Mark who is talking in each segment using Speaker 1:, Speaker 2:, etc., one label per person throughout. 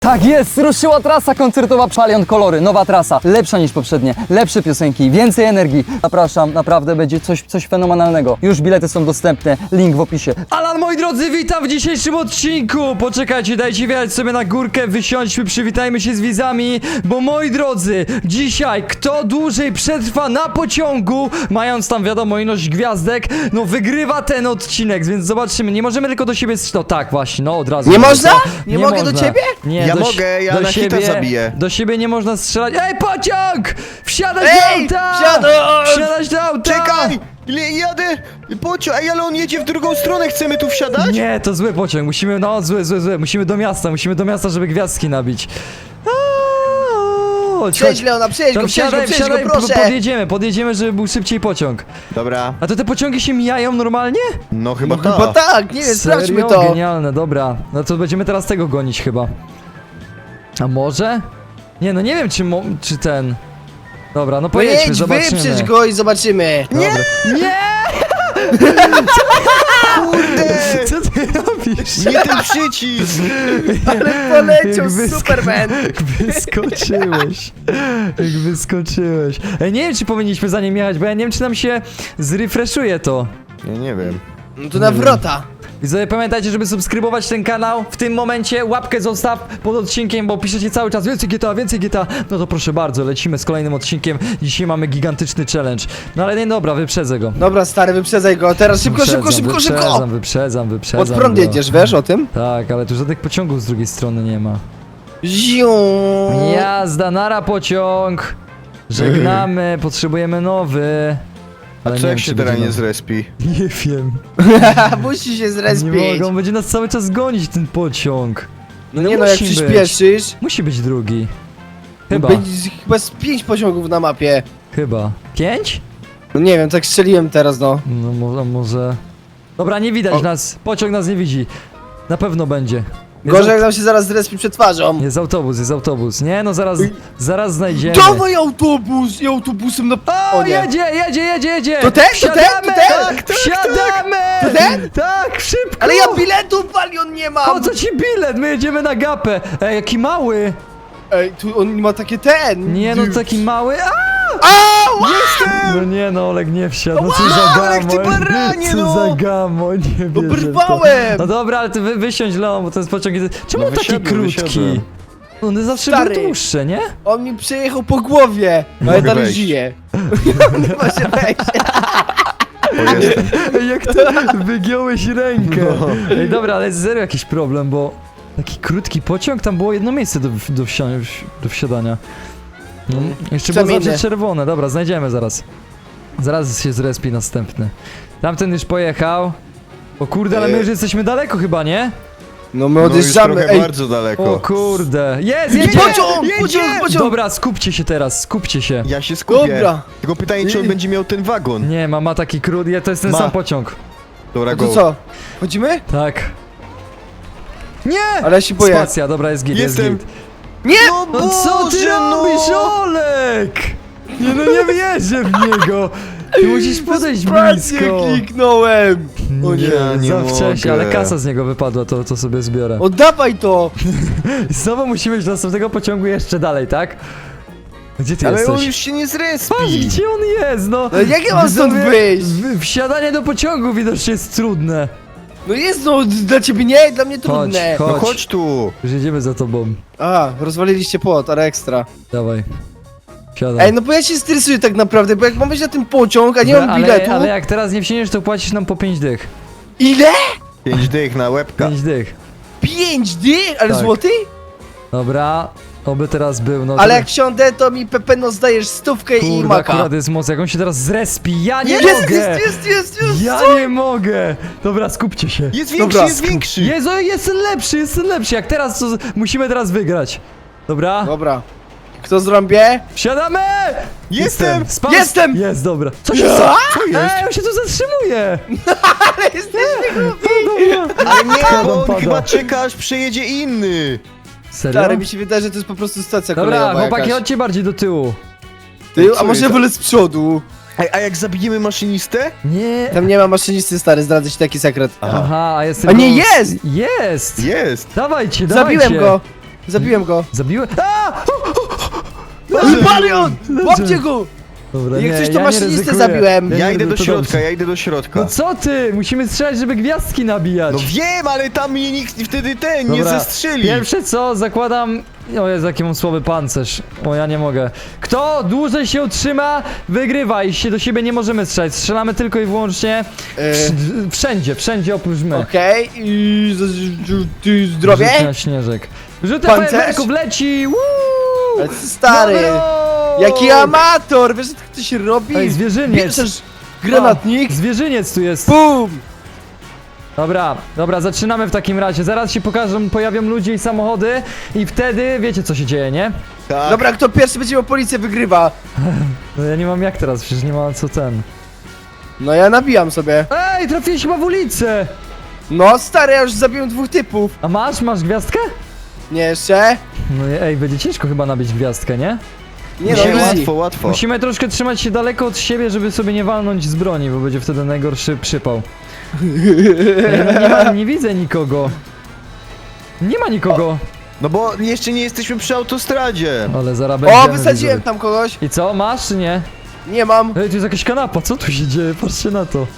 Speaker 1: Tak jest, ruszyła trasa koncertowa Szalion Kolory, nowa trasa, lepsza niż poprzednie, lepsze piosenki, więcej energii. Zapraszam, naprawdę będzie coś fenomenalnego. Już bilety są dostępne, link w opisie.
Speaker 2: Alan, moi drodzy, witam w dzisiejszym odcinku. Poczekajcie, dajcie wjechać sobie na górkę, wysiądźmy, przywitajmy się z widzami, bo moi drodzy, dzisiaj kto dłużej przetrwa na pociągu, mając tam wiadomo ilość gwiazdek, no wygrywa ten odcinek, więc zobaczymy. Nie możemy tylko do siebie... No tak, właśnie, no od razu.
Speaker 3: Nie
Speaker 2: mówię,
Speaker 3: można?
Speaker 2: co?
Speaker 3: Nie mogę do ciebie?
Speaker 2: Nie,
Speaker 4: Ja mogę, ja
Speaker 2: do
Speaker 4: na hita
Speaker 2: siebie,
Speaker 4: zabiję.
Speaker 2: do siebie nie można strzelać. Ej, pociąg! Wsiadać do
Speaker 3: Ej,
Speaker 2: auta!
Speaker 3: wsiadać!
Speaker 2: Wsiadać do auta!
Speaker 4: Czekaj! Jadę! Pociąg, ej, ale on jedzie w drugą stronę, chcemy tu wsiadać?
Speaker 2: Nie, to zły pociąg, musimy, no zły, musimy do miasta, żeby gwiazdki nabić. Chodź,
Speaker 3: Przejdź Leona, przejdź
Speaker 2: Tam
Speaker 3: go,
Speaker 2: wsiadaj,
Speaker 3: proszę.
Speaker 2: podjedziemy, żeby był szybciej pociąg.
Speaker 4: Dobra,
Speaker 2: A to te pociągi się mijają normalnie?
Speaker 4: no chyba
Speaker 3: No chyba tak, nie wiem, sprawdźmy
Speaker 2: Serio?
Speaker 3: to.
Speaker 2: Genialne, dobra. No to będziemy teraz tego gonić chyba. A może? Nie, no nie wiem czy ten... Dobra, no
Speaker 3: No
Speaker 2: pojedźmy,
Speaker 3: jedź,
Speaker 2: zobaczymy.
Speaker 3: wyprzedź go i zobaczymy.
Speaker 2: Nie! Nie!
Speaker 4: Kurde!
Speaker 2: Co ty robisz?
Speaker 4: Nie ten przycisk!
Speaker 3: Ale poleciał
Speaker 2: Jak
Speaker 3: Superman.
Speaker 2: Jak wyskoczyłeś. Jak wyskoczyłeś. Ej, nie wiem, czy powinniśmy za nim jechać, bo ja nie wiem, czy nam się zrefreshuje to.
Speaker 4: Nie wiem.
Speaker 3: No to na wrota.
Speaker 2: Widzowie, pamiętajcie, żeby subskrybować ten kanał. W tym momencie łapkę zostaw pod odcinkiem, bo piszecie cały czas więcej GTA, więcej GTA. No to proszę bardzo, lecimy z kolejnym odcinkiem. Dzisiaj mamy gigantyczny challenge. No ale nie, dobra, wyprzedzę go.
Speaker 3: Dobra, stary, wyprzedzaj go. Teraz szybko.
Speaker 2: Wyprzedzam.
Speaker 3: Pod prąd
Speaker 2: go.
Speaker 3: jedziesz, wiesz o tym?
Speaker 2: Tak, ale tu żadnych pociągów z drugiej strony nie ma.
Speaker 3: Ziu.
Speaker 2: Jazda, nara pociąg! Żegnamy, potrzebujemy nowy.
Speaker 4: A
Speaker 2: Ale
Speaker 4: co
Speaker 2: nie
Speaker 4: jak
Speaker 2: wiem,
Speaker 4: się
Speaker 2: czy
Speaker 4: teraz
Speaker 2: będzie
Speaker 4: nie zrespi?
Speaker 2: Nie wiem.
Speaker 3: Musi się
Speaker 2: Nie
Speaker 3: zrespić.
Speaker 2: mogą, będzie nas cały czas gonić ten pociąg.
Speaker 3: No nie no, jak
Speaker 2: musi być.
Speaker 3: przyspieszysz.
Speaker 2: Musi być drugi. Chyba,
Speaker 3: Będzie chyba z 5 pociągów na mapie.
Speaker 2: chyba. 5?
Speaker 3: No nie wiem, tak strzeliłem teraz, no.
Speaker 2: No może... Dobra, nie widać nas. Pociąg nas nie widzi. Na pewno będzie.
Speaker 3: Gorzej jak nam się zaraz zrespi przed twarzą.
Speaker 2: Jest autobus. Nie no, zaraz znajdziemy.
Speaker 3: Dawaj autobus! I autobusem na...
Speaker 2: O,
Speaker 3: nie.
Speaker 2: jedzie!
Speaker 3: To ten?
Speaker 2: Wsiadamy!
Speaker 3: Tak,
Speaker 2: Wsiadamy!
Speaker 3: To ten?
Speaker 2: Tak, szybko!
Speaker 3: Ale ja biletu Palion nie mam!
Speaker 2: Po co ci bilet? My jedziemy na gapę. Ej, jaki mały!
Speaker 3: Ej, tu on ma takie ten!
Speaker 2: Nie no, taki mały.
Speaker 3: Jestem!
Speaker 2: No nie no, Olek nie wsiadł. No co za
Speaker 4: Olek, ty
Speaker 2: gamoń.
Speaker 4: baranie,
Speaker 2: Co
Speaker 4: no.
Speaker 2: za gamoń, nie wierzę w to.
Speaker 3: Oberwałem!
Speaker 2: No dobra, ale ty wysiądź, Leon, bo ten pociąg jest... Czemu
Speaker 4: No
Speaker 2: on taki
Speaker 4: wysiadłem,
Speaker 2: krótki?
Speaker 4: wysiadłem.
Speaker 2: One zawsze
Speaker 3: Stary.
Speaker 2: były dłuższe, nie?
Speaker 3: On mi przejechał po głowie! Ale
Speaker 4: Mogę
Speaker 3: dalej
Speaker 4: wejść.
Speaker 3: żyje. Nie może wejść.
Speaker 4: O, jestem.
Speaker 2: Ej, jak ty wygiąłeś rękę. Ej, dobra, ale jest serio jakiś problem, bo... Taki krótki pociąg, tam było jedno miejsce do wsiadania. No, jeszcze było
Speaker 3: Zamienię.
Speaker 2: zawsze czerwone, dobra, znajdziemy zaraz. Zaraz się zrespi następny. Tamten już pojechał. O kurde, ale my już jesteśmy daleko chyba, nie?
Speaker 3: No my
Speaker 4: No już
Speaker 3: odjeżdżamy,
Speaker 4: trochę
Speaker 3: ej!
Speaker 4: bardzo daleko.
Speaker 2: O kurde. Jest, jedzie!
Speaker 3: Pociąg!
Speaker 2: Dobra, skupcie się teraz, skupcie się.
Speaker 4: Ja się skupię.
Speaker 3: Dobra.
Speaker 4: Tylko pytanie, czy on będzie miał ten wagon?
Speaker 2: Nie, ma taki krótki, to jest ten
Speaker 4: Ma.
Speaker 2: sam pociąg.
Speaker 4: Dobra,
Speaker 3: No
Speaker 4: go.
Speaker 3: to co? Chodzimy?
Speaker 2: Tak. Nie!
Speaker 3: Ale ja się boję.
Speaker 2: Spacja, dobra, jest git,
Speaker 4: Jestem.
Speaker 2: jest git.
Speaker 3: Nie!
Speaker 2: No co ty robisz, Olek? Nie no, nie wierzę w niego. Ty musisz podejść
Speaker 3: Spację
Speaker 2: blisko.
Speaker 3: kliknąłem! O nie,
Speaker 4: nie
Speaker 2: za wcześnie,
Speaker 4: mogę.
Speaker 2: ale kasa z niego wypadła, to sobie zbiorę.
Speaker 3: Oddawaj to!
Speaker 2: I znowu musimy iść do następnego pociągu jeszcze dalej, tak? Gdzie ty
Speaker 4: Ale
Speaker 2: jesteś?
Speaker 4: on już się nie
Speaker 2: Patrz,
Speaker 4: zrespi.
Speaker 2: gdzie on jest, no!
Speaker 3: No jak ja mam stąd
Speaker 2: Widzowie,
Speaker 3: wyjść?
Speaker 2: Wsiadanie do pociągu widocznie jest trudne.
Speaker 3: No jest no, dla ciebie nie, dla mnie trudne.
Speaker 4: No
Speaker 2: Chodź.
Speaker 4: chodź tu.
Speaker 2: Już jedziemy za tobą.
Speaker 3: A, rozwaliliście płot, ale ekstra.
Speaker 2: Dawaj. Wsiadaj.
Speaker 3: Ej, no bo ja się stresuję tak naprawdę, bo jak mam wejść na ten pociąg, a nie mam biletu...
Speaker 2: Ale jak teraz nie wsiądziesz, to płacisz nam po 5 dych.
Speaker 3: Ile?
Speaker 4: 5 dych na łebka.
Speaker 2: 5 dych.
Speaker 3: 5 dych? Ale
Speaker 2: Tak.
Speaker 3: złoty?
Speaker 2: Dobra, oby teraz był, no.
Speaker 3: Ale
Speaker 2: to-
Speaker 3: jak wsiądę, to mi Pepeno zdajesz stówkę i
Speaker 2: Kurde,
Speaker 3: maka.
Speaker 2: akurat jest moc, jak on się teraz zrespi, ja nie
Speaker 3: Jest,
Speaker 2: mogę!
Speaker 3: jest!
Speaker 2: Ja nie mogę! Dobra, skupcie się.
Speaker 4: Jest większy,
Speaker 3: Dobra.
Speaker 4: jest większy.
Speaker 2: Jezu, jest lepszy, jak teraz, to musimy teraz wygrać. Dobra,
Speaker 3: Dobra. Kto zrąbie?
Speaker 2: wsiadamy!
Speaker 4: Jestem.
Speaker 2: Spadł.
Speaker 3: Jestem!
Speaker 2: Jest, dobra. Co się
Speaker 3: Ja?
Speaker 2: stało?
Speaker 4: Co jest?
Speaker 2: Ej, on się tu zatrzymuje!
Speaker 3: Ale jesteśmy głupi!
Speaker 2: Dobra.
Speaker 4: Ale nie,
Speaker 2: Spadam,
Speaker 4: bo on
Speaker 2: pada.
Speaker 4: chyba czeka, aż przejedzie inny.
Speaker 2: Serio?
Speaker 3: Stary, mi się wydaje, że to jest po prostu stacja
Speaker 2: Dobra,
Speaker 3: kolejowa
Speaker 2: chłopaki,
Speaker 3: jakaś.
Speaker 2: chodźcie bardziej do tyłu.
Speaker 3: Ty,
Speaker 4: Co
Speaker 3: a może
Speaker 4: jest?
Speaker 3: wolę z przodu?
Speaker 4: Ej, a jak zabijemy maszynistę?
Speaker 2: Nie.
Speaker 3: Tam nie ma maszynisty, stary, zdradzę ci taki sekret.
Speaker 2: Aha, a jest
Speaker 3: A nie,
Speaker 2: tylko-
Speaker 3: jest!
Speaker 2: Jest!
Speaker 4: Jest.
Speaker 2: Dawajcie.
Speaker 3: Zabiłem go! Zabiłem go.
Speaker 2: Zabiłem? A!
Speaker 3: Palion! Łapcie go!
Speaker 2: Dobra,
Speaker 3: Jak
Speaker 2: nie,
Speaker 3: coś, to
Speaker 2: ja nie
Speaker 3: maszynistę
Speaker 2: ryzykuję.
Speaker 3: zabiłem.
Speaker 4: Ja
Speaker 2: nie,
Speaker 4: idę do
Speaker 2: to
Speaker 4: środka,
Speaker 2: dobrze.
Speaker 4: ja idę do środka.
Speaker 2: No co ty? Musimy strzelać, żeby gwiazdki nabijać.
Speaker 4: No wiem, ale tam mnie nikt wtedy nie
Speaker 2: Dobra,
Speaker 4: zestrzeli.
Speaker 2: Pierwsze co, zakładam... O Jezu, jaki mam słaby pancerz. O, ja nie mogę. Kto dłużej się utrzyma, wygrywa i się do siebie nie możemy strzelać. Strzelamy tylko i wyłącznie wszędzie oprócz my.
Speaker 3: Okej, i ty zdrowie?
Speaker 2: Rzut na śnieżek. Rzut
Speaker 3: Pancerz?
Speaker 2: fajerwerków leci! Woo!
Speaker 3: Ale ty stary,
Speaker 2: Dobro!
Speaker 3: jaki amator, wiesz co to się robi?
Speaker 2: Ej, zwierzyniec.
Speaker 3: Bierzesz granatnik,
Speaker 2: Zwierzyniec tu jest.
Speaker 3: BUM!
Speaker 2: Dobra, zaczynamy w takim razie. Zaraz się pojawią ludzie i samochody i wtedy wiecie co się dzieje, nie?
Speaker 4: Tak.
Speaker 3: Dobra, kto pierwszy będzie miał policję, wygrywa.
Speaker 2: No ja nie mam jak teraz, przecież nie ma co ten.
Speaker 3: No ja nabijam sobie.
Speaker 2: Ej, trafiłeś chyba w ulicę!
Speaker 3: No stary, ja już zabiłem 2 typów.
Speaker 2: A masz gwiazdkę?
Speaker 3: Nie jeszcze?
Speaker 2: No ej, będzie ciężko chyba nabić gwiazdkę, nie?
Speaker 3: Nie no,
Speaker 4: Nie,
Speaker 3: easy.
Speaker 4: łatwo, łatwo.
Speaker 2: Musimy troszkę trzymać się daleko od siebie, żeby sobie nie walnąć z broni, bo będzie wtedy najgorszy przypał. Ej, no nie widzę nikogo. Nie ma nikogo.
Speaker 4: No bo jeszcze nie jesteśmy przy autostradzie.
Speaker 2: Ale zaraz
Speaker 3: O,
Speaker 2: będziemy,
Speaker 3: wysadziłem
Speaker 2: widzowie.
Speaker 3: tam kogoś.
Speaker 2: I co, masz czy nie?
Speaker 3: Nie mam.
Speaker 2: Ej, tu jest jakaś kanapa, co tu się dzieje? Patrzcie na to.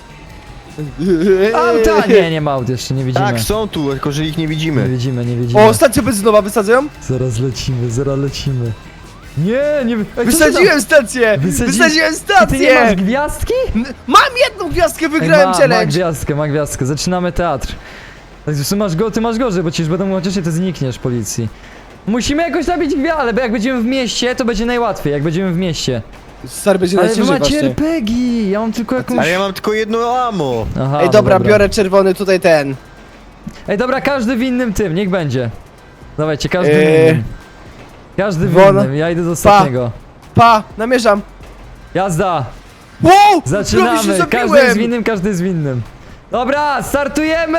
Speaker 2: Auta! Nie ma aut jeszcze, nie widzimy.
Speaker 4: Tak, są tu, tylko że ich nie
Speaker 2: Nie
Speaker 4: widzimy.
Speaker 2: widzimy, nie widzimy.
Speaker 3: O, stacja benzynowa wysadzają?
Speaker 2: Zaraz lecimy. Nie. Ej, co ty
Speaker 3: Wysadziłem stację! Wysadziłem
Speaker 2: tam? Ty nie masz
Speaker 3: stację!
Speaker 2: gwiazdki?
Speaker 3: Mam jedną gwiazdkę,
Speaker 2: Ej,
Speaker 3: wygrałem
Speaker 2: ma
Speaker 3: challenge!
Speaker 2: gwiazdkę, zaczynamy teatr. Ty masz gorzej, bo ci już będą chociaż ty znikniesz policji. Musimy jakoś nabić gwiazdę, ale jak będziemy w mieście, to będzie najłatwiej, jak będziemy w mieście.
Speaker 3: Stary, będzie
Speaker 2: Ale wy
Speaker 3: najciężej
Speaker 2: macie
Speaker 3: właśnie.
Speaker 2: RPG, ja mam tylko jakąś...
Speaker 4: Ale ja mam tylko jedno ammo.
Speaker 2: Aha,
Speaker 3: Ej,
Speaker 2: no
Speaker 3: dobra, biorę czerwony tutaj ten.
Speaker 2: Ej, dobra, każdy w innym tym, niech będzie. Dawajcie, każdy w innym. Każdy w
Speaker 3: Won-
Speaker 2: innym, ja idę do ostatniego.
Speaker 3: Pa, namierzam.
Speaker 2: Jazda!
Speaker 3: Wow! Prawie się
Speaker 2: Zaczynamy! Każdy jest w
Speaker 3: zabiłem!
Speaker 2: innym, każdy jest w innym. Dobra, startujemy!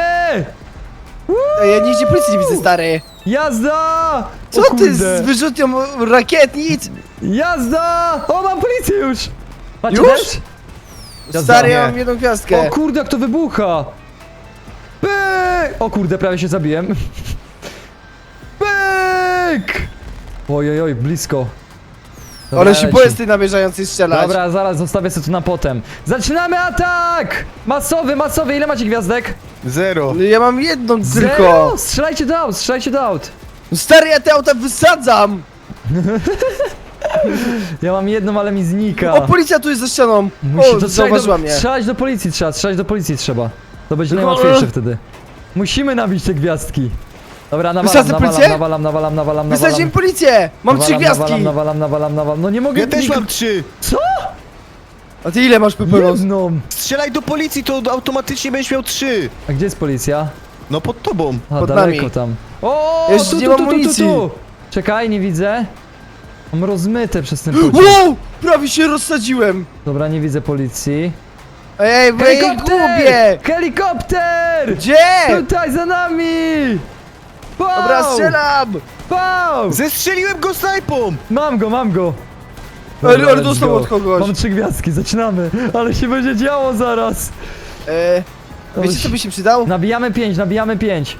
Speaker 3: Ej, ja nigdzie policji nie widzę, stary.
Speaker 2: Jazda!
Speaker 3: Co
Speaker 2: O
Speaker 3: ty
Speaker 2: kurde.
Speaker 3: z wyrzutnią rakietnic?
Speaker 2: Jazda! O, mam policję już! Macie
Speaker 3: Już?
Speaker 2: też? Jazda.
Speaker 3: Stary, ja
Speaker 4: Nie.
Speaker 3: mam jedną
Speaker 2: O
Speaker 3: gwiazdkę.
Speaker 2: kurde, jak to wybucha! Pyk! O kurde, prawie się zabiłem. Pyk! Ojojoj, blisko. Dobra,
Speaker 3: Ale się
Speaker 2: leci.
Speaker 3: boję z tej namierzającej strzelać.
Speaker 2: Dobra, zaraz zostawię sobie to na potem. Zaczynamy atak! Masowy, ile macie gwiazdek?
Speaker 4: 0.
Speaker 3: No ja mam jedną tylko.
Speaker 2: Zero! Strzelajcie do aut,
Speaker 3: Stary, ja te auta wysadzam!
Speaker 2: Ja mam jedną, ale mi znika.
Speaker 3: O, policja tu jest za ścianą.
Speaker 2: Musi-
Speaker 3: O,
Speaker 2: to
Speaker 3: zauważyła mnie.
Speaker 2: strzelać do policji trzeba. To będzie
Speaker 3: Tylko-
Speaker 2: najłatwiejsze wtedy. Musimy nabić te gwiazdki. Dobra,
Speaker 3: Wysadzę policję?
Speaker 2: nawalam.
Speaker 3: Wysadziłem policję! Mam 3 gwiazdki!
Speaker 2: Nawalam. No nie mogę...
Speaker 4: Ja też mam 3.
Speaker 3: A ty ile masz peperos?
Speaker 2: Jedną.
Speaker 4: Strzelaj do policji, to automatycznie będziesz miał 3.
Speaker 2: A gdzie jest policja?
Speaker 4: No pod tobą.
Speaker 2: A,
Speaker 3: Pod
Speaker 2: daleko
Speaker 3: nami.
Speaker 2: tam. O,
Speaker 3: Jeszcze
Speaker 2: tu,
Speaker 3: nie
Speaker 2: tu,
Speaker 3: mam
Speaker 2: tu, tu,
Speaker 3: amunicji.
Speaker 2: tu. Czekaj, nie widzę. Mam rozmyte przez ten pociąg.
Speaker 3: Wow! Prawie się rozsadziłem!
Speaker 2: Dobra, nie widzę policji.
Speaker 3: Ej, bo ja jej gubię!
Speaker 2: Helikopter!
Speaker 3: Gdzie?
Speaker 2: Tutaj za nami! Pow!
Speaker 3: Dobra, strzelam!
Speaker 2: Pow!
Speaker 4: Zestrzeliłem go snajpą!
Speaker 2: Mam go!
Speaker 3: Ale
Speaker 2: let's
Speaker 3: dostał
Speaker 2: go.
Speaker 3: od kogoś.
Speaker 2: Mam 3 gwiazdki, zaczynamy. Ale się będzie działo zaraz.
Speaker 3: Wiecie co by się przydał?
Speaker 2: Nabijamy 5.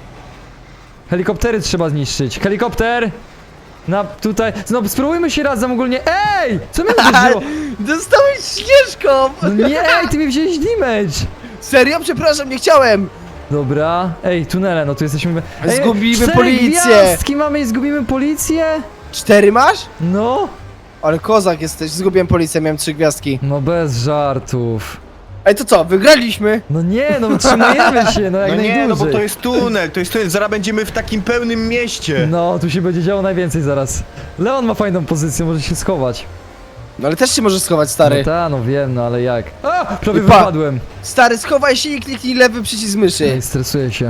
Speaker 2: Helikoptery trzeba zniszczyć. Helikopter! Tutaj. No spróbujmy się razem ogólnie. Ej! Co mnie uderzyło?
Speaker 3: Dostałeś śnieżką!
Speaker 2: No nie, ej, ty mi wziąłeś damage!
Speaker 3: Serio? Przepraszam, nie chciałem!
Speaker 2: Dobra. Ej, tunele, no tu jesteśmy... Ej,
Speaker 3: Zgubimy
Speaker 2: 4
Speaker 3: policję.
Speaker 2: gwiazdki mamy i zgubimy policję?
Speaker 3: 4 masz?
Speaker 2: No.
Speaker 3: Ale kozak jesteś, zgubiłem policję, miałem 3 gwiazdki.
Speaker 2: No bez żartów.
Speaker 3: Ej, to co, wygraliśmy?
Speaker 2: No nie, no trzymajemy się, no jak
Speaker 4: No nie,
Speaker 2: najdłużej.
Speaker 4: no bo to jest tunel, zaraz będziemy w takim pełnym mieście.
Speaker 2: No, tu się będzie działo najwięcej zaraz. Leon ma fajną pozycję, może się schować.
Speaker 3: No ale też się możesz schować, stary.
Speaker 2: No ta, no wiem, no ale jak? A! Prawie
Speaker 3: I pa.
Speaker 2: wypadłem.
Speaker 3: Stary, schowaj się i kliknij lewy przycisk myszy.
Speaker 2: Ej, stresuję się.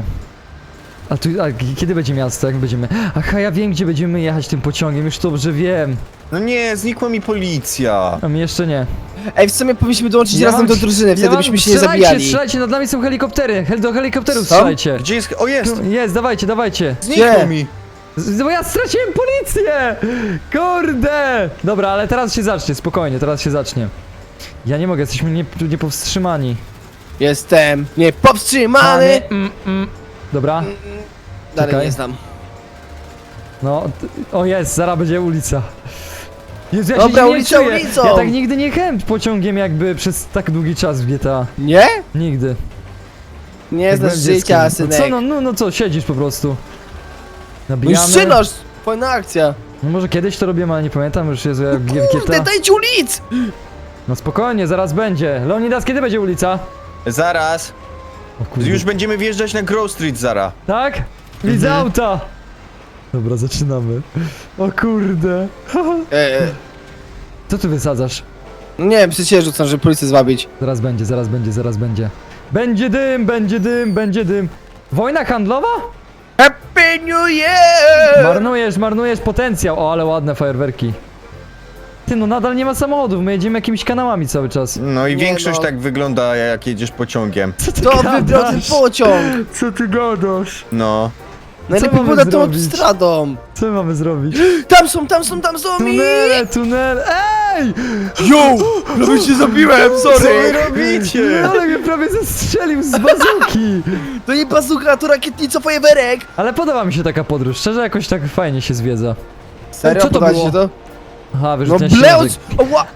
Speaker 2: Kiedy będzie miasto? Jak będziemy? Aha, ja wiem, gdzie będziemy jechać tym pociągiem, już dobrze wiem.
Speaker 4: No nie, znikła mi policja.
Speaker 2: A mi jeszcze nie.
Speaker 3: Ej, w sumie powinniśmy dołączyć
Speaker 2: Ja
Speaker 3: razem
Speaker 2: mam-
Speaker 3: do drużyny, wtedy byśmy się nie zabijali.
Speaker 2: Strzelajcie, nad nami są helikoptery. Do helikopterów
Speaker 3: Są?
Speaker 2: strzelajcie.
Speaker 4: Gdzie jest? O, jest!
Speaker 2: Jest, dawajcie.
Speaker 4: Znikło
Speaker 3: Gdzie?
Speaker 4: mi.
Speaker 2: Bo ja straciłem policję! Kurde! Dobra, ale teraz się zacznie, spokojnie, teraz się zacznie. Ja nie mogę, jesteśmy niepowstrzymani.
Speaker 3: Jestem niepowstrzymany!
Speaker 2: Dobra.
Speaker 3: Dalej
Speaker 2: czekaj.
Speaker 3: nie znam.
Speaker 2: No, o jest, zaraz będzie ulica. Jezu, ja
Speaker 3: Dobra,
Speaker 2: się
Speaker 3: ulica
Speaker 2: nie czuję.
Speaker 3: ulicą.
Speaker 2: Ja tak nigdy nie jechałem pociągiem jakby przez tak długi czas w GTA.
Speaker 3: Nie?
Speaker 2: Nigdy.
Speaker 3: Nie
Speaker 2: Jak
Speaker 3: znasz
Speaker 2: byłem
Speaker 3: życia,
Speaker 2: dzieckiem.
Speaker 3: synek.
Speaker 2: Co, no co, siedzisz po prostu.
Speaker 3: No i
Speaker 2: Nabijamy.
Speaker 3: szynasz! Fajna akcja.
Speaker 2: No może kiedyś to robiłem, ale nie pamiętam już, Jezu, jak w
Speaker 3: Kurde,
Speaker 2: GTA.
Speaker 3: dajcie ulic!
Speaker 2: No spokojnie, zaraz będzie. Leonidas, kiedy będzie ulica?
Speaker 4: Zaraz.
Speaker 2: O kurde.
Speaker 4: Już będziemy wjeżdżać na Grove Street zara.
Speaker 2: Tak? Widzę auta! Dobra, zaczynamy. O kurde. Co tu wysadzasz?
Speaker 3: No nie wiem, przecież rzucam, żeby policję zwabić.
Speaker 2: Zaraz będzie, zaraz będzie, zaraz będzie. Będzie dym, będzie dym, będzie dym. Wojna handlowa?
Speaker 3: Happy New Year!
Speaker 2: Marnujesz potencjał. O, ale ładne fajerwerki. Ty, no nadal nie ma samochodów, my jedziemy jakimiś kanałami cały czas.
Speaker 4: No i
Speaker 3: Nie
Speaker 4: większość
Speaker 3: no.
Speaker 4: tak wygląda, jak jedziesz pociągiem.
Speaker 2: Co ty
Speaker 3: To wybrał ten pociąg!
Speaker 2: Co ty gadasz?
Speaker 4: No.
Speaker 3: Najlepiej
Speaker 2: mamy
Speaker 3: było nad tą
Speaker 2: zrobić?
Speaker 3: autostradą.
Speaker 2: Co my mamy zrobić?
Speaker 3: Tam są i...
Speaker 2: Tunele! Ej!
Speaker 3: Yo! Prawie się zabiłem,
Speaker 4: Co wy
Speaker 3: sorry!
Speaker 4: robicie?
Speaker 2: Ale mnie prawie zestrzelił z bazuki!
Speaker 3: To nie bazuka, to rakietnica, fajerwerek!
Speaker 2: Ale podoba mi się taka podróż, szczerze jakoś tak fajnie się zwiedza.
Speaker 3: Serio,
Speaker 2: Co to
Speaker 3: podoba ci
Speaker 2: było?
Speaker 3: się to?
Speaker 2: Aha,
Speaker 3: No
Speaker 2: wyrzucenia
Speaker 3: bleus!
Speaker 2: śnieżek.
Speaker 3: Ła!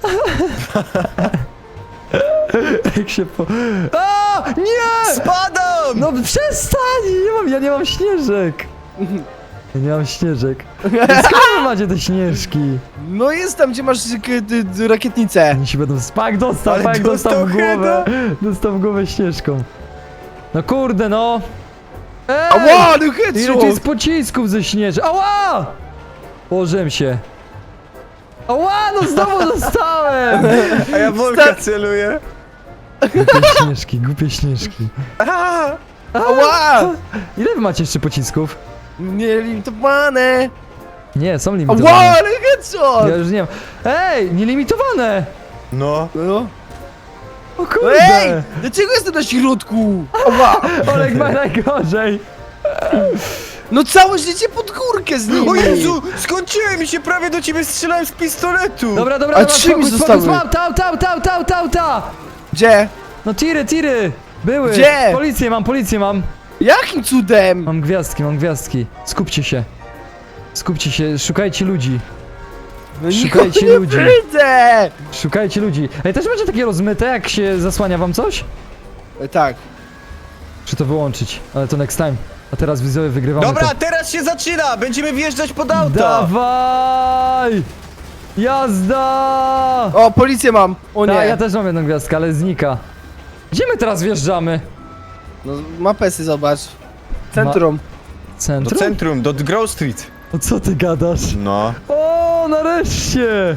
Speaker 2: Jak się po... A! Nie!
Speaker 4: Spadam!
Speaker 2: No przestań! Ja nie mam śnieżek! Ja nie mam śnieżek. Skąd wy macie te śnieżki?
Speaker 3: No jest tam, gdzie masz rakietnicę.
Speaker 2: Oni się będą... Pak dostał,
Speaker 4: Ale
Speaker 2: pak dostał w
Speaker 4: dostał
Speaker 2: głowę. Dostał w głowę śnieżką. No kurde, no! Ej!
Speaker 3: Ała, no
Speaker 2: Ile tu
Speaker 3: headshot!
Speaker 2: jest pocisków ze śnieży? Ała! Położyłem się. Ała, no znowu dostałem!
Speaker 4: A ja Wolka celuję.
Speaker 2: Głupie śnieżki.
Speaker 3: Ała!
Speaker 2: Ile wy macie jeszcze pocisków?
Speaker 3: Nielimitowane!
Speaker 2: Nie, są
Speaker 3: Ała,
Speaker 2: limitowane.
Speaker 3: ale headshot!
Speaker 2: Ja już nie mam. Ej, nielimitowane!
Speaker 4: No.
Speaker 3: No.
Speaker 2: O kurde!
Speaker 3: Ej! Dlaczego jestem na środku? Ała!
Speaker 2: Olek ma najgorzej!
Speaker 3: No całe życie pod górkę z nimi!
Speaker 4: O Jezu! Skończyłem mi się, prawie do ciebie strzelałem z pistoletu!
Speaker 2: Dobra,
Speaker 3: A trzy mi zostały.
Speaker 2: mam, ta!
Speaker 3: Gdzie?
Speaker 2: No tiry! Były!
Speaker 3: Gdzie?
Speaker 2: Policję mam!
Speaker 3: Jakim cudem?
Speaker 2: Mam gwiazdki. Skupcie się, szukajcie ludzi.
Speaker 3: No
Speaker 2: Szukajcie
Speaker 3: nikogo nie
Speaker 2: ludzi.
Speaker 3: widzę!
Speaker 2: Szukajcie ludzi. Ej, też będzie takie rozmyte, jak się zasłania wam coś?
Speaker 3: Tak.
Speaker 2: Czy to wyłączyć? Ale to next time. A teraz widzowie wygrywamy
Speaker 4: Dobra,
Speaker 2: to.
Speaker 4: teraz się zaczyna! Będziemy wjeżdżać pod auto!
Speaker 2: Dawaj! Jazda!
Speaker 3: O, policję mam! O nie!
Speaker 2: Ja też mam jedną gwiazdkę, ale znika. Gdzie my teraz wjeżdżamy?
Speaker 3: No, mapesy zobacz. Centrum.
Speaker 4: Do
Speaker 2: Centrum?
Speaker 4: centrum, do Grove Street.
Speaker 2: O co ty gadasz?
Speaker 4: No.
Speaker 2: O, nareszcie!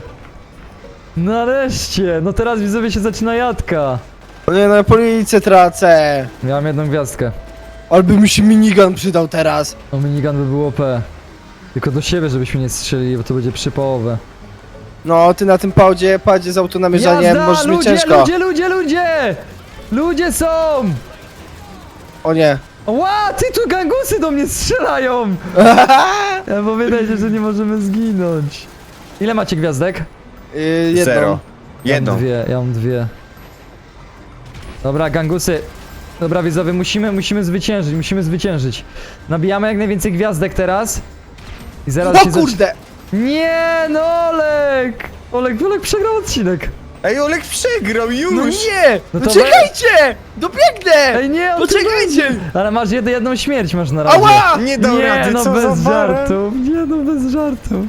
Speaker 2: Nareszcie! No teraz widzowie się zaczyna jadka.
Speaker 3: O nie, no policję tracę.
Speaker 2: Miałem jedną gwiazdkę.
Speaker 3: Albo mi się minigun przydał teraz.
Speaker 2: O, minigun by było OP. Tylko do siebie, żebyśmy nie strzelili, bo to będzie przypołowe.
Speaker 3: No, ty na tym padzie z autonamierzaniem możesz mieć ciężko.
Speaker 2: Ludzie! Ludzie są!
Speaker 3: O nie.
Speaker 2: Ła, ty tu gangusy do mnie strzelają! Ja pamiętajcie, że nie możemy zginąć. Ile macie gwiazdek?
Speaker 3: Jedną.
Speaker 4: Zero. Jedną.
Speaker 2: Ja mam dwie. Dobra, gangusy. Dobra, widzowie, musimy zwyciężyć. Nabijamy jak najwięcej gwiazdek teraz. I zaraz
Speaker 3: O
Speaker 2: się
Speaker 3: kurde!
Speaker 2: Nie, no Olek! Olek przegrał odcinek.
Speaker 4: Ej, Olek przegrał już!
Speaker 3: No nie!
Speaker 2: No
Speaker 3: No
Speaker 2: to
Speaker 3: czekajcie! Dobiegnę!
Speaker 2: Ej, nie, on
Speaker 3: Poczekajcie!
Speaker 2: Ale masz jedną śmierć masz na razie.
Speaker 3: Ała!
Speaker 4: Nie dał rady,
Speaker 2: no
Speaker 4: co
Speaker 2: bez
Speaker 4: za baran.
Speaker 2: żartów. Nie no, bez żartów.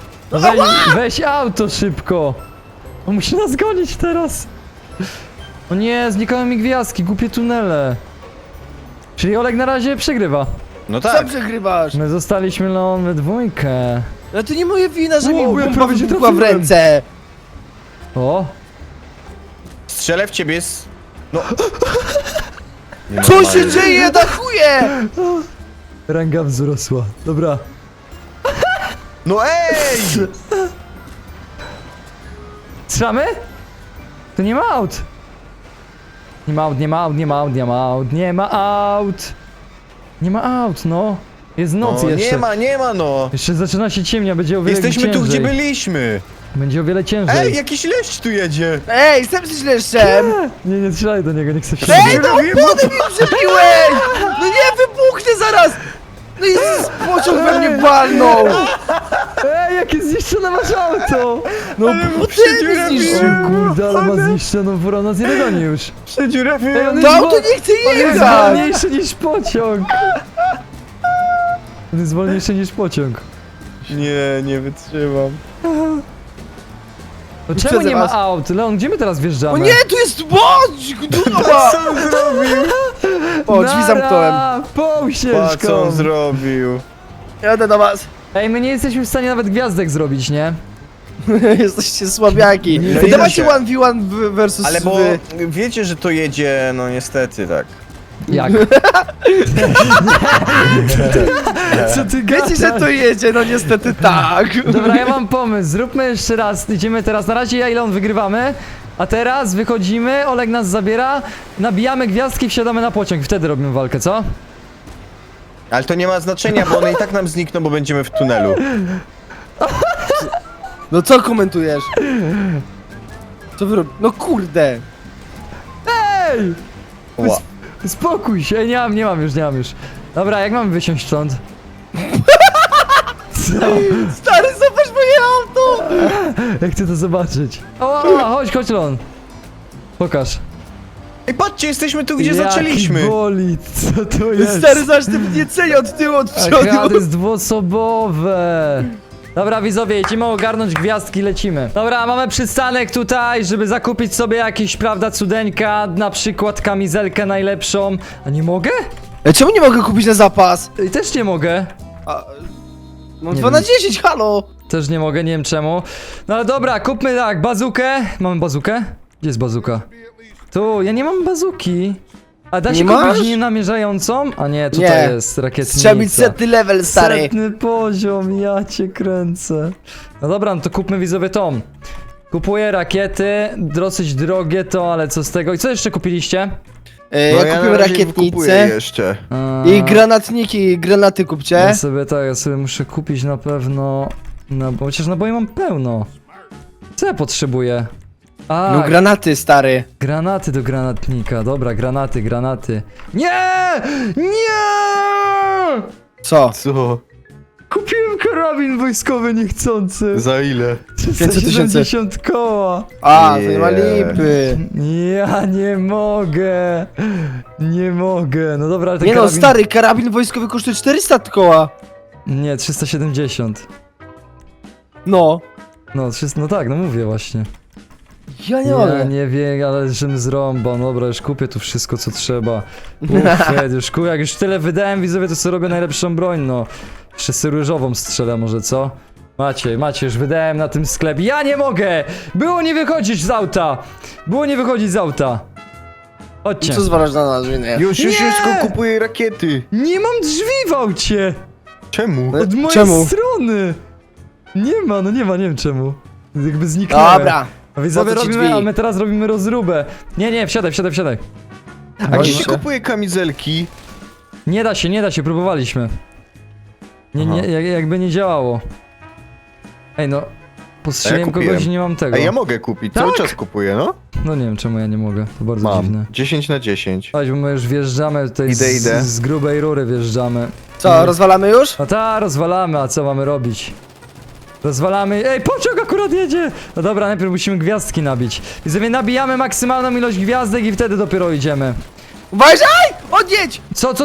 Speaker 2: Weź auto szybko. On musi nas gonić teraz. O nie, znikały mi gwiazdki, głupie tunele. Czyli Olek na razie przegrywa.
Speaker 4: No
Speaker 3: Co
Speaker 4: tak.
Speaker 3: przegrywasz?
Speaker 2: My zostaliśmy Leon we dwójkę.
Speaker 3: Ale to nie moja wina, że mi
Speaker 2: Wow, ja
Speaker 3: bomba
Speaker 2: prawie się
Speaker 3: wybuchła w
Speaker 2: trafiłem.
Speaker 3: ręce.
Speaker 2: O,
Speaker 4: Strzelę w ciebie z... No.
Speaker 3: Co się dzieje? Na chuje!
Speaker 2: ranga wzrosła. Dobra.
Speaker 4: No ej!
Speaker 2: Strzelamy? To nie ma aut. Nie ma aut, no. Jest noc
Speaker 4: No,
Speaker 2: jeszcze.
Speaker 4: nie ma no!
Speaker 2: Jeszcze zaczyna się ciemnia, będzie o wiele
Speaker 4: Jesteśmy
Speaker 2: ciężej.
Speaker 4: tu, gdzie byliśmy!
Speaker 2: Będzie o wiele ciężej.
Speaker 4: Ej, jakiś leść tu jedzie!
Speaker 3: Ej, jestem źle jeszcze!
Speaker 2: Nie strzelaj do niego, nie chcę się
Speaker 3: Ej, no opony mi przebiłeś! No nie, wybuchnie zaraz! No i pociąg we mnie walnął!
Speaker 2: Ej, jakie zniszczone masz auto!
Speaker 3: No bo ty mnie zniszczył!
Speaker 2: Kurde, ale ma zniszczoną furą, nas nie dogoni już.
Speaker 4: Przedziurawiłem.
Speaker 2: on
Speaker 3: To
Speaker 2: jest
Speaker 3: auto nie chce
Speaker 2: On jest
Speaker 3: jechać!
Speaker 2: wolniejszy niż pociąg. On jest wolniejszy niż pociąg.
Speaker 4: Nie wytrzymam.
Speaker 2: No czemu nie ma
Speaker 3: was.
Speaker 2: aut? Leon, gdzie my teraz wjeżdżamy?
Speaker 3: O nie, tu jest bądź! Dupa!
Speaker 4: Co on zrobił?
Speaker 3: O, drzwi zamknąłem.
Speaker 2: Pół
Speaker 4: Pa,
Speaker 2: ścieżką.
Speaker 4: co on zrobił?
Speaker 3: Jadę do was.
Speaker 2: Ej, my nie jesteśmy w stanie nawet gwiazdek zrobić, nie?
Speaker 3: Jesteście słabiaki.
Speaker 4: No
Speaker 3: Ej,
Speaker 4: i
Speaker 3: dawajcie
Speaker 4: racja.
Speaker 3: 1v1 versus
Speaker 4: Ale bo
Speaker 3: wy.
Speaker 4: wiecie, że to jedzie, no niestety tak.
Speaker 2: Jak? Co ty gadasz?
Speaker 3: Wiecie, że to jedzie, no niestety tak.
Speaker 2: Dobra, ja mam pomysł. Zróbmy jeszcze raz. Idziemy teraz. Na razie ja i Leon wygrywamy. A teraz wychodzimy, Oleg nas zabiera, nabijamy gwiazdki, wsiadamy na pociąg i wtedy robimy walkę, co?
Speaker 4: Ale to nie ma znaczenia, bo one i tak nam znikną, bo będziemy w tunelu.
Speaker 3: No co komentujesz? Co wy robicie? No kurde.
Speaker 2: Ej!
Speaker 4: Ła.
Speaker 2: Spokój się, nie mam już. Dobra, jak mamy wysiąść stąd? Co?
Speaker 3: Stary, zobacz moje auto!
Speaker 2: Jak chcę to zobaczyć? O, chodź Leon. Pokaż.
Speaker 4: Ej, patrzcie, jesteśmy tu, gdzie
Speaker 2: Jaki
Speaker 4: zaczęliśmy.
Speaker 2: bolid, co to jest?
Speaker 3: Stary, zobacz, ty mnie ceni od tyłu, od
Speaker 2: Aha, to
Speaker 3: przodu.
Speaker 2: jest dwuosobowe. Dobra, widzowie, idziemy ogarnąć gwiazdki, lecimy. Dobra, mamy przystanek tutaj, żeby zakupić sobie jakieś, prawda, cudeńka, na przykład kamizelkę najlepszą. A nie mogę?
Speaker 3: Czemu nie mogę kupić na zapas?
Speaker 2: I też nie mogę.
Speaker 3: A, mam
Speaker 2: Nie
Speaker 3: 2
Speaker 2: wiem.
Speaker 3: na 10, halo!
Speaker 2: Też nie mogę, nie wiem czemu. No ale dobra, kupmy tak, bazukę. Mamy bazukę? Gdzie jest bazuka? Tu, ja nie mam bazuki. A da się
Speaker 3: Nie
Speaker 2: kupić
Speaker 3: masz?
Speaker 2: nienamierzającą? A nie, tutaj
Speaker 3: Nie.
Speaker 2: jest rakietnica.
Speaker 3: Trzeba mieć setny level, stary.
Speaker 2: Setny poziom, ja cię kręcę. No dobra, no to kupmy widzowie tą. Kupuję rakiety, dosyć drogie to, ale co z tego? I co jeszcze kupiliście?
Speaker 3: Ja kupiłem
Speaker 4: kupuję
Speaker 3: rakietnicę
Speaker 4: jeszcze.
Speaker 3: i granatniki, granaty kupcie.
Speaker 2: Ja sobie muszę kupić na pewno... No, bo chociaż naboi mam pełno. Co ja potrzebuję? A,
Speaker 3: No granaty, stary.
Speaker 2: granaty do granatnika. Dobra, granaty. Nie! Nie!
Speaker 3: Co?
Speaker 4: Co?
Speaker 2: Kupiłem karabin wojskowy niechcący.
Speaker 4: Za ile?
Speaker 2: 370 koła.
Speaker 3: A, to nie ma
Speaker 4: Nie.
Speaker 3: lipy.
Speaker 2: Ja nie mogę. Nie mogę. No dobra, ale ten
Speaker 3: Nie no,
Speaker 2: karabin...
Speaker 3: stary, karabin wojskowy kosztuje 400 koła.
Speaker 2: Nie, 370.
Speaker 3: No.
Speaker 2: No, 300, no tak, no mówię właśnie.
Speaker 3: Ja nie
Speaker 2: Ja
Speaker 3: mogę.
Speaker 2: nie wiem, ale żebym zrąbał. No dobra, już kupię tu wszystko, co trzeba. Ufed, już kupię, jak już tyle wydałem, widzowie, to sobie robię najlepszą broń, no. Jeszcze sobie różową strzelę może, co? Macie, już wydałem na tym sklepie. Ja nie mogę! Było nie wychodzić z auta! Chodźcie.
Speaker 3: Co zwalasz na nas, że nie?
Speaker 4: Już
Speaker 2: Nie!
Speaker 4: tylko kupuję rakiety.
Speaker 2: Nie mam drzwi w aucie!
Speaker 4: Czemu?
Speaker 2: Od mojej
Speaker 3: Czemu?
Speaker 2: strony! Nie ma, nie wiem czemu. Jakby zniknęły.
Speaker 3: Dobra.
Speaker 2: A widzowie
Speaker 3: Po co ci
Speaker 2: robimy,
Speaker 3: drzwi?
Speaker 2: a my teraz robimy rozróbę. Nie, wsiadaj.
Speaker 4: A
Speaker 3: Właśnie.
Speaker 4: gdzie się kupuje kamizelki?
Speaker 2: Nie da się, próbowaliśmy. Nie,
Speaker 4: Aha.
Speaker 2: jakby nie działało. Ej no, postrzeliłem
Speaker 4: kupiłem.
Speaker 2: kogoś i nie mam tego.
Speaker 4: A ja mogę kupić, cały czas kupuję, no.
Speaker 2: No nie wiem czemu ja nie mogę, to bardzo
Speaker 4: Mam.
Speaker 2: dziwne.
Speaker 4: 10 na 10.
Speaker 2: Chodź, bo my już wjeżdżamy tutaj
Speaker 4: Idę.
Speaker 2: z grubej rury wjeżdżamy.
Speaker 3: Co, rozwalamy już?
Speaker 2: No ta, rozwalamy, a co mamy robić? Rozwalamy. Ej, pociąg akurat jedzie! No dobra, najpierw musimy gwiazdki nabić. I sobie nabijamy maksymalną ilość gwiazdek i wtedy dopiero idziemy.
Speaker 3: Uważaj! Odjedź!
Speaker 2: Co?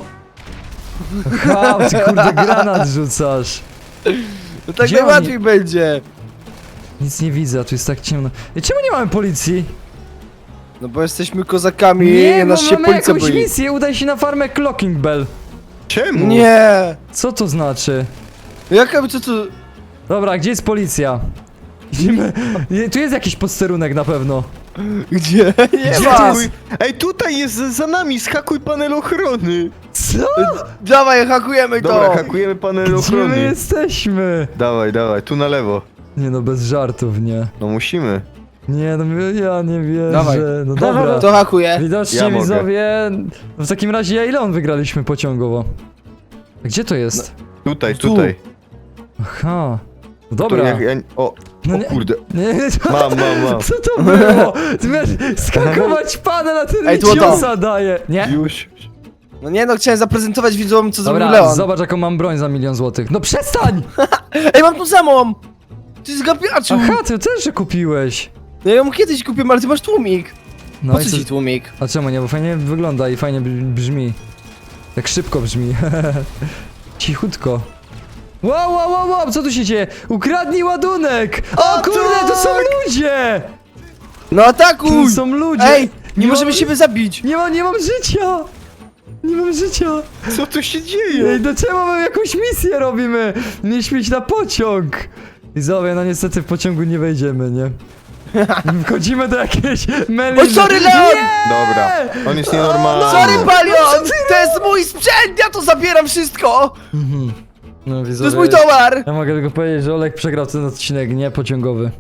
Speaker 2: Ha, ty kurde granat rzucasz.
Speaker 3: No tak
Speaker 2: Gdzie
Speaker 3: najłatwiej będzie.
Speaker 2: Nic nie widzę, a tu jest tak ciemno. Ej, czemu nie mamy policji?
Speaker 3: No bo jesteśmy kozakami,
Speaker 2: Nie,
Speaker 3: nas
Speaker 2: bo
Speaker 3: się
Speaker 2: mamy
Speaker 3: policja
Speaker 2: jakąś
Speaker 3: boi.
Speaker 2: misję, udaj się na farmę Clocking Bell.
Speaker 4: Czemu?
Speaker 3: Nie!
Speaker 2: Co to znaczy?
Speaker 3: Jaka, co tu...
Speaker 2: Dobra, gdzie jest policja? Idziemy. Tu jest jakiś posterunek na pewno.
Speaker 3: Gdzie? Nie
Speaker 2: Gdzie
Speaker 3: ma!
Speaker 2: to
Speaker 4: Hakuj. Ej, tutaj jest za nami, schakuj panel ochrony.
Speaker 2: Co?
Speaker 3: Dawaj, hakujemy
Speaker 4: Dobra,
Speaker 3: to!
Speaker 4: hakujemy panel
Speaker 2: Gdzie my
Speaker 4: ochrony.
Speaker 2: jesteśmy?
Speaker 4: Dawaj, tu na lewo.
Speaker 2: Nie no, bez żartów, nie.
Speaker 4: No musimy.
Speaker 2: Nie no, ja nie wierzę.
Speaker 3: Dawaj.
Speaker 2: No dobra.
Speaker 3: To hakuję.
Speaker 2: Widocznie
Speaker 4: Ja mogę.
Speaker 2: widzowie... W takim razie ja ile on wygraliśmy pociągowo? A gdzie to jest?
Speaker 4: Tutaj.
Speaker 2: Aha. No
Speaker 4: To
Speaker 2: dobra.
Speaker 4: o
Speaker 2: No nie-
Speaker 4: kurde.
Speaker 2: Nie,
Speaker 4: Mam.
Speaker 2: Co to było? Ty wiesz, skakować pana na ten
Speaker 3: Ej, tu o to.
Speaker 2: ciosa daje. Nie?
Speaker 4: Już.
Speaker 3: No nie no, chciałem zaprezentować widzom, co zrobił
Speaker 2: Dobra,
Speaker 3: Leon.
Speaker 2: zobacz jaką mam broń za 1 000 000 złotych. No przestań!
Speaker 3: Ej, mam tą samą! Ty zgapiaczu!
Speaker 2: Aha, ty też że kupiłeś.
Speaker 3: No ja ją kiedyś kupiłem, ale ty masz tłumik.
Speaker 2: No
Speaker 3: Po
Speaker 2: i
Speaker 3: co
Speaker 2: co?
Speaker 3: ci tłumik?
Speaker 2: A czemu nie? Bo fajnie wygląda i fajnie brzmi. Tak szybko brzmi. Cichutko. Wow, co tu się dzieje? Ukradnij ładunek! O kurde, to są ludzie!
Speaker 3: No atakuj!
Speaker 2: To są ludzie!
Speaker 3: Ej, nie
Speaker 2: mam-
Speaker 3: możemy siebie zabić!
Speaker 2: Nie mam życia! Nie mam życia!
Speaker 4: Co tu się dzieje?
Speaker 2: Ej, do czego my jakąś misję robimy? Mieliśmy iść na pociąg! I zobacz, no niestety w pociągu nie wejdziemy, nie? Wchodzimy do jakiejś meliny.
Speaker 3: Oj, sorry, Leon!
Speaker 4: Dobra, on jest nienormalny.
Speaker 3: Sorry, Palion! To jest mój sprzęt, ja to zabieram wszystko!
Speaker 2: No,
Speaker 3: To jest mój towar!
Speaker 2: Ja mogę tylko powiedzieć, że Olek przegrał ten odcinek, nie pociągowy.